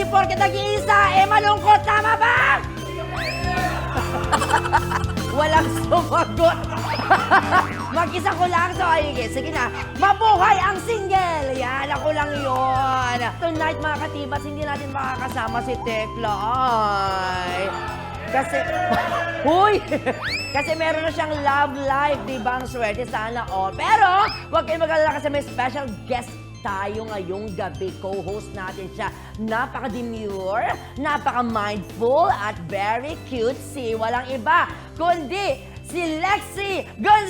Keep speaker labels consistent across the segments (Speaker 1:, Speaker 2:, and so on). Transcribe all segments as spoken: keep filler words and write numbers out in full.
Speaker 1: di porket nag-iisa, eh malungkot, tama ba? Walang sumagot. Mag-isa ko lang, so ayun, sige na. Mabuhay ang single! Yan, ako lang yun. Tonight, mga katibas, hindi natin makakasama si Tekla. Ay. Kasi, huy! Kasi meron na siyang love life, di ba? Ang swerte sana all. Pero, huwag kayong mag-alala kasi may special guest tayo ngayong gabi. Co-host natin siya. Napaka-demure, napaka-mindful, at very cutesy. Walang iba, kundi si Lexie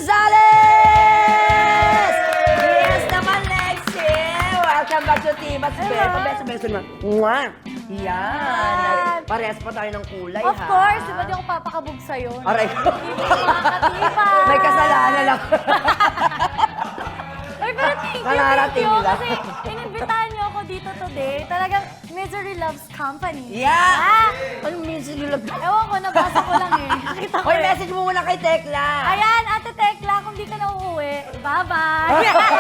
Speaker 1: Gonzalez! Yes naman, Lexie! Welcome back to Tibas. Beso, beso, beso naman. Mwah! Yan! Parehas pa tayo ng kulay,
Speaker 2: Of
Speaker 1: ha?
Speaker 2: course, di ba di ako papakabog sa'yo?
Speaker 1: Aray ko.
Speaker 2: Makakatiba!
Speaker 1: May kasalanan lang.
Speaker 2: Ay, pero thank you, thank
Speaker 1: Nararating
Speaker 2: you.
Speaker 1: lang.
Speaker 2: Kasi inimbitahan niyo ako dito today. Talagang Misery Loves Company.
Speaker 1: Yeah! Ano minsan yung lag...
Speaker 2: Ewan ko, nabasa ko lang eh. Nakita ko
Speaker 1: Hoy,
Speaker 2: eh.
Speaker 1: message mo muna kay Tekla.
Speaker 2: Ayan, Ate Tekla, kung di ka na uuwi, bye-bye!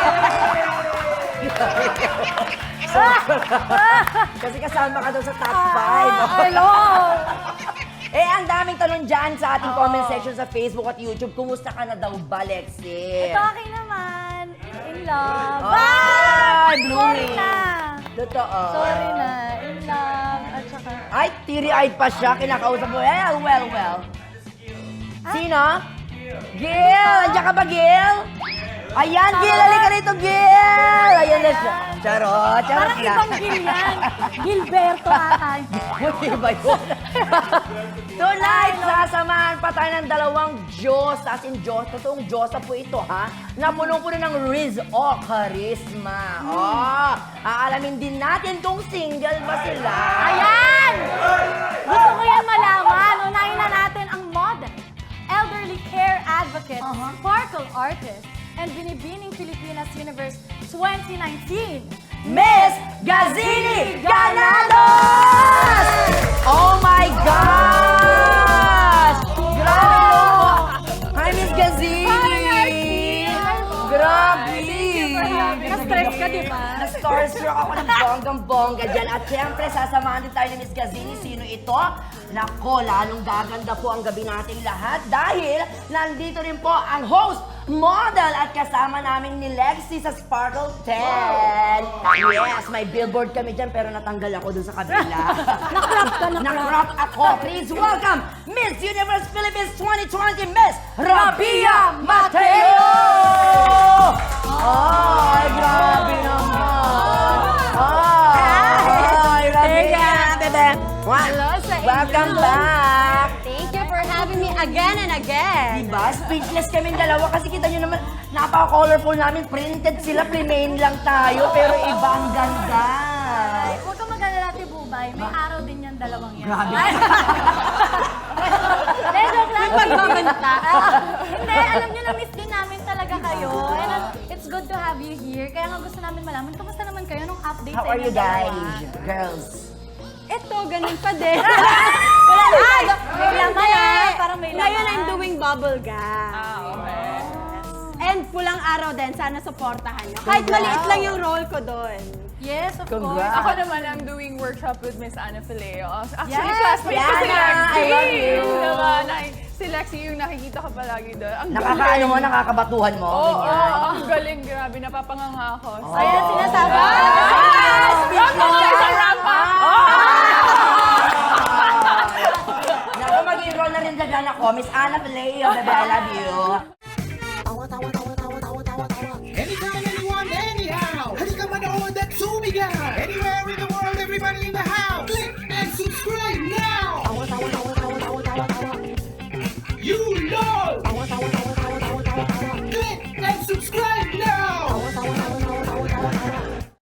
Speaker 1: Kasi kasama ka daw sa top
Speaker 2: Ah,
Speaker 1: five.
Speaker 2: hello!
Speaker 1: Eh, ang daming tanong dyan sa ating comment section sa Facebook at YouTube. Kumusta ka na daw ba, Lexie?
Speaker 2: Ito akin naman. In love.
Speaker 1: Ay,
Speaker 2: Bye! Sorry
Speaker 1: blooming.
Speaker 2: na.
Speaker 1: Totoo.
Speaker 2: Sorry na. In love. At saka...
Speaker 1: Ay, teary-eyed pa siya. Kinakausap mo. Well, well, well. Sino? Gil! Andiyan ka ba, Gil? Ayan, Gil! Halika rito, Gil! Ayan na siya. Charot, charot
Speaker 2: Parang
Speaker 1: na.
Speaker 2: ibang Gil yan. Gilberto ata.
Speaker 1: Hindi ba yun? Tonight, sasamahan pa tayo ng dalawang Diyos. As in Diyos, totoong Diyos na po ito, ha? Na punong-puno ng Riz o Charisma. Oh, aalamin din natin kung single ba sila.
Speaker 2: Ayan! Gusto ko yan malaman. Unahin na natin ang model, elderly care advocate, sparkle artist, and binibining Pilipinas Universe twenty nineteen.
Speaker 1: Miss Gazini Ganados! Oh my gosh! Grabe po! Hi, Miss Gazini! Grabe!
Speaker 2: Na-stress ka, di ba?
Speaker 1: Na-starstruck ako ng bonggang-bongga dyan. At syempre, sasamahan din tayo ni Miss Gazini. Sino ito? Nako, lalong gaganda po ang gabi nating lahat dahil nandito rin po ang host, model at kasama namin ni Lexie sa Sparkle ten. Yes, may billboard kami dyan pero natanggal ako dun sa kabila.
Speaker 2: Nakrap ka, nakrap.
Speaker 1: Nakrap ako. Please welcome Miss Universe Philippines twenty twenty, Miss Rabia Mateo! Ay, grabe naman. Ay, Rabia, bebe.
Speaker 2: Hello sa inyo.
Speaker 1: Welcome back.
Speaker 2: Thank you for having me again and again.
Speaker 1: Diba? Speechless kaming dalawa kasi kita nyo naman, napaka-colorful namin. Printed sila, plain lang tayo, pero iba ang ganda.
Speaker 2: Ay, huwag kang mag-alala, Ate Bubay. May araw din yan, dalawang yan.
Speaker 1: Grabe.
Speaker 2: Ay. Hindi, joke lang. Pagmamanta. Hindi, alam nyo, na-miss din namin talaga kayo. And uh, it's good to have you here. Kaya nga gusto namin malaman, kamusta naman kayo nung update
Speaker 1: How
Speaker 2: sa
Speaker 1: are you
Speaker 2: inyong dalawa?
Speaker 1: guys? Girls.
Speaker 3: Ito, ganun pa din.
Speaker 2: Wala na. Ay, may laman ah. Parang may laman.
Speaker 3: Ngayon I'm doing bubble gum.
Speaker 2: Ah, okay.
Speaker 3: And pulang araw din, sana supportahan nyo. Kahit maliit lang yung role ko doon.
Speaker 2: Yes, of
Speaker 1: Congrats.
Speaker 2: course.
Speaker 4: Ako naman, I'm doing workshop with Miss Ana Fileo. Actually,
Speaker 2: Yes,
Speaker 4: classmate ko si
Speaker 1: Yana,
Speaker 4: Lexie.
Speaker 1: I love you.
Speaker 4: Diba? Na- si Lexie yung nakikita ka palagi doon. Ang
Speaker 1: Nakakaano mo, nakakabatuhan mo.
Speaker 4: Oo, oh,
Speaker 1: ganyan.
Speaker 4: oh, ang galing, grabe. Napapanganga ako. So,
Speaker 2: Ayan, sinasabi ko.
Speaker 1: Yes!
Speaker 4: Ramp up kayo sa ramp up!
Speaker 1: Naku, mag-enroll na rin dyan ako. Miss Ana Fileo, bebe, I love you.